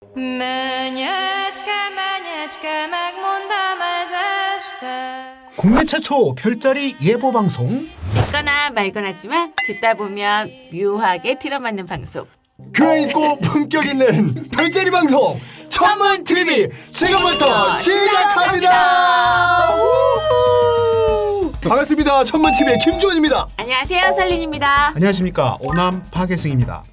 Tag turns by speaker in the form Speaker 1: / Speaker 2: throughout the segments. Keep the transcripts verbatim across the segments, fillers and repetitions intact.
Speaker 1: Mennyecske, mennyecske, megmondám ez este.
Speaker 2: 국내 최초 별자리 예보 방송.
Speaker 3: 듣거나 말거나 하지만 듣다 보면 묘하게 들어맞는 방송.
Speaker 4: 교양 있고 품격 있는 별자리 방송 천문 티비 지금부터 시작합니다. 우후! 반갑습니다. 천문 티비의 김주원입니다.
Speaker 3: 안녕하세요, 설린입니다.
Speaker 2: 안녕하십니까, 오남 파계승입니다.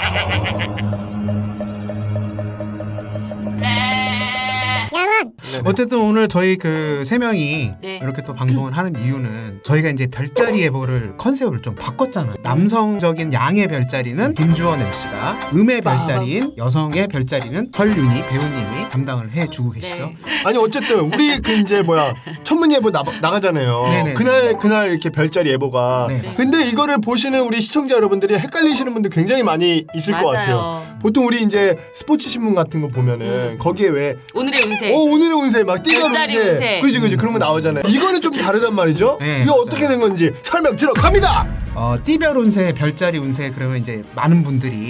Speaker 2: 어쨌든 오늘 저희 그 세 명이
Speaker 3: 네.
Speaker 2: 이렇게 또 방송을 하는 이유는 저희가 이제 별자리 예보를 컨셉을 좀 바꿨잖아요. 남성적인 양의 별자리는 김주원 엠씨가, 음의 별자리인 여성의 별자리는 설윤이 배우님이 담당을 해주고 계시죠.
Speaker 3: 네.
Speaker 4: 아니 어쨌든 우리 그 이제 뭐야 천문 예보 나, 나가잖아요.
Speaker 2: 네네.
Speaker 4: 그날 그날 이렇게 별자리 예보가.
Speaker 2: 네,
Speaker 4: 근데 이거를 보시는 우리 시청자 여러분들이 헷갈리시는 분들 굉장히 많이 있을
Speaker 3: 맞아요.
Speaker 4: 것 같아요. 보통 우리 이제 스포츠 신문 같은 거 보면은
Speaker 3: 음.
Speaker 4: 거기에 왜
Speaker 3: 오늘의 운세.
Speaker 4: 어 오늘의 운세 막 띠가
Speaker 3: 별자리 운세.
Speaker 4: 그지 그지 그런 거 나오잖아요. 이거는 좀 다르단 말이죠.
Speaker 2: 네,
Speaker 4: 이거
Speaker 2: 맞아요.
Speaker 4: 어떻게 된 건지 설명 들어갑니다.
Speaker 2: 어, 띠별 운세, 별자리 운세, 그러면 이제 많은 분들이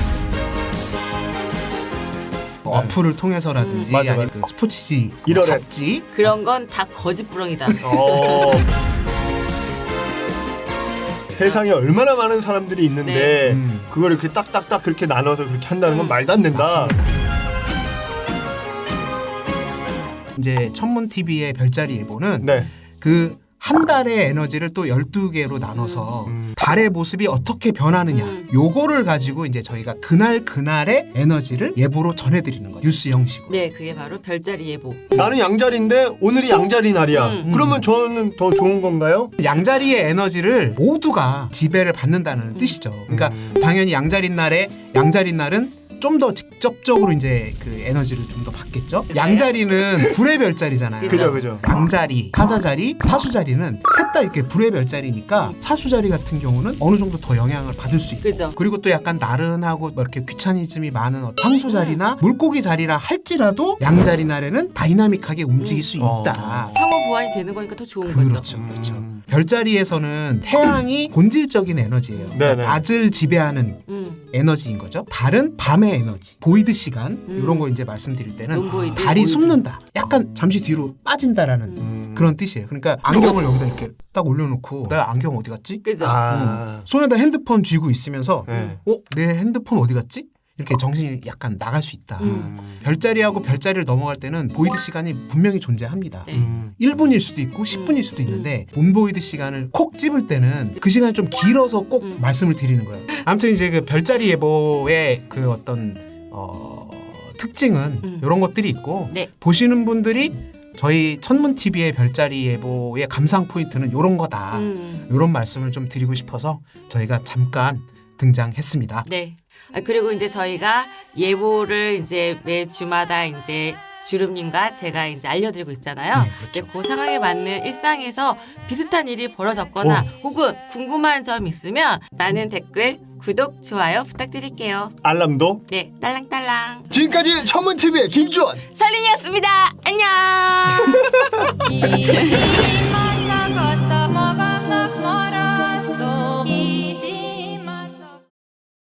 Speaker 2: 뭐 어플을 통해서라든지
Speaker 4: 음, 맞아,
Speaker 2: 아니면
Speaker 4: 맞아.
Speaker 2: 그 스포츠지,
Speaker 4: 일월에.
Speaker 2: 잡지
Speaker 3: 그런 건 다 거짓부렁이다.
Speaker 4: 어. 세상에 얼마나 많은 사람들이 있는데
Speaker 3: 네.
Speaker 2: 음.
Speaker 4: 그걸 이렇게 딱딱딱 그렇게 나눠서 그렇게 한다는 건
Speaker 3: 음.
Speaker 4: 말도 안 된다.
Speaker 2: 맞습니다. 이제 천문 티비의 별자리 예보는
Speaker 4: 네.
Speaker 2: 그 한 달의 에너지를 또 열두 개로 나눠서
Speaker 4: 음.
Speaker 2: 달의 모습이 어떻게 변하느냐,
Speaker 3: 음.
Speaker 2: 요거를 가지고 이제 저희가 그날 그날의 에너지를 예보로 전해드리는 거예요. 뉴스 형식으로.
Speaker 3: 네, 그게 바로 별자리 예보.
Speaker 4: 나는 양자리인데 오늘이 양자리 날이야.
Speaker 3: 음.
Speaker 4: 그러면 저는 더 좋은 건가요?
Speaker 2: 양자리의 에너지를 모두가 지배를 받는다는 뜻이죠. 그러니까
Speaker 4: 음.
Speaker 2: 당연히 양자리 날에 양자리 날은 좀 더 직접적으로 이제 그 에너지를 좀 더 받겠죠.
Speaker 3: 네.
Speaker 2: 양자리는 불의 별자리잖아요.
Speaker 4: 그죠 그죠.
Speaker 2: 양자리, 사자자리, 사수자리는 셋 다 이렇게 불의 별자리니까 사수자리 같은 경우는 어느 정도 더 영향을 받을 수 있고,
Speaker 3: 그죠.
Speaker 2: 그리고 또 약간 나른하고 뭐 이렇게 귀차니즘이 많은 어떤 황소자리나 물고기 자리라 할지라도 양자리 날에는 다이나믹하게 움직일 수
Speaker 4: 어.
Speaker 2: 있다.
Speaker 3: 상호 보완이 되는 거니까 더 좋은 거죠.
Speaker 2: 그렇죠, 그렇죠.
Speaker 4: 음.
Speaker 2: 별자리에서는 태양이 본질적인 에너지예요. 그러니까
Speaker 4: 네네.
Speaker 2: 낮을 지배하는
Speaker 3: 음.
Speaker 2: 에너지인 거죠. 달은 밤의 에너지, 보이드 시간
Speaker 3: 음.
Speaker 2: 이런 거 이제 말씀드릴 때는
Speaker 3: 논보이드,
Speaker 2: 달이
Speaker 3: 보이드.
Speaker 2: 숨는다, 약간 잠시 뒤로 빠진다라는
Speaker 4: 음.
Speaker 2: 그런 뜻이에요. 그러니까 안경을 여기다 이렇게 딱 올려놓고 나 안경 어디 갔지?
Speaker 3: 그죠.
Speaker 4: 아.
Speaker 2: 손에다 핸드폰 쥐고 있으면서
Speaker 4: 네.
Speaker 2: 어? 내 핸드폰 어디 갔지? 이렇게 정신이 약간 나갈 수 있다.
Speaker 3: 음.
Speaker 2: 별자리하고 별자리를 넘어갈 때는 보이드 시간이 분명히 존재합니다.
Speaker 3: 네.
Speaker 4: 음.
Speaker 2: 일 분일 수도 있고 십 분일 수도 있는데 온보이드 시간을 콕 집을 때는 그 시간이 좀 길어서 꼭
Speaker 3: 음.
Speaker 2: 말씀을 드리는 거예요. 아무튼 이제 그 별자리 예보의 그 어떤 어, 특징은
Speaker 3: 음.
Speaker 2: 이런 것들이 있고,
Speaker 3: 네.
Speaker 2: 보시는 분들이 저희 천문 티비의 별자리 예보의 감상 포인트는 이런 거다.
Speaker 3: 음.
Speaker 2: 이런 말씀을 좀 드리고 싶어서 저희가 잠깐 등장했습니다.
Speaker 3: 네. 아, 그리고 이제 저희가 예보를 이제 매 주마다 이제 주름님과 제가 이제 알려드리고 있잖아요.
Speaker 2: 네, 그렇죠.
Speaker 3: 근데 그 상황에 맞는 일상에서 비슷한 일이 벌어졌거나 혹은 궁금한 점 있으면 많은 댓글, 구독, 좋아요 부탁드릴게요.
Speaker 4: 알람도.
Speaker 3: 네, 딸랑딸랑.
Speaker 4: 지금까지 천문 티비의 김주원.
Speaker 3: 설린이었습니다. 안녕.
Speaker 1: Így majd szakaszta maga.